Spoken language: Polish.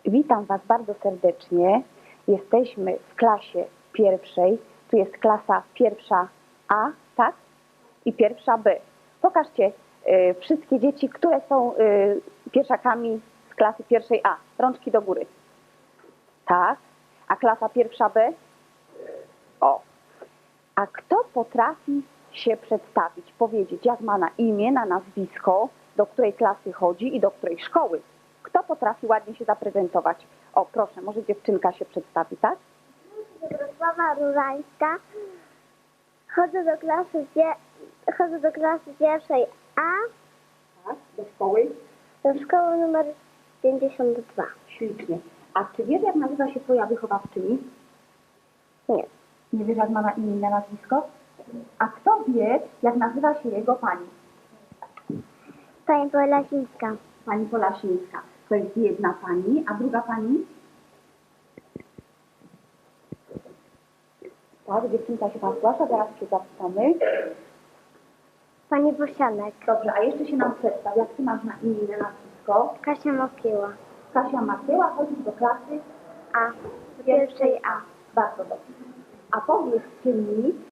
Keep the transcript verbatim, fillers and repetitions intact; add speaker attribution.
Speaker 1: Witam Was bardzo serdecznie. Jesteśmy w klasie pierwszej. Tu jest klasa pierwsza A, tak? I pierwsza B. Pokażcie y, wszystkie dzieci, które są y, pierwszakami z klasy pierwszej A. Rączki do góry. Tak. A klasa pierwsza B? O. A kto potrafi się przedstawić, powiedzieć, jak ma na imię, na nazwisko, do której klasy chodzi i do której szkoły? Kto potrafi ładnie się zaprezentować? O, proszę, może dziewczynka się przedstawi, tak?
Speaker 2: Wrocława Różańska. Chodzę do klasy, pie... Chodzę do klasy pierwszej A,
Speaker 1: Tak, do szkoły.
Speaker 2: do szkoły numer pięćdziesiąt dwa.
Speaker 1: Ślicznie. A czy wiesz, jak nazywa się twoja wychowawczyni?
Speaker 2: Nie.
Speaker 1: Nie wiesz, jak ma na imię i na nazwisko? A kto wie, jak nazywa się jego pani?
Speaker 2: Pani Polasińska.
Speaker 1: Pani Polasińska. To jest jedna pani, a druga pani? Tak, dziewczynka się tam zgłasza, zaraz się zapytamy.
Speaker 2: Pani Bosianek.
Speaker 1: Dobrze, a jeszcze się nam przedstaw, jak ty masz na imię i na nazwisko?
Speaker 2: Kasia Mokiła.
Speaker 1: Kasia Matyła, chodzisz do klasy
Speaker 2: A. Pierwszej A.
Speaker 1: Bardzo dobrze. A powiedzcie mi,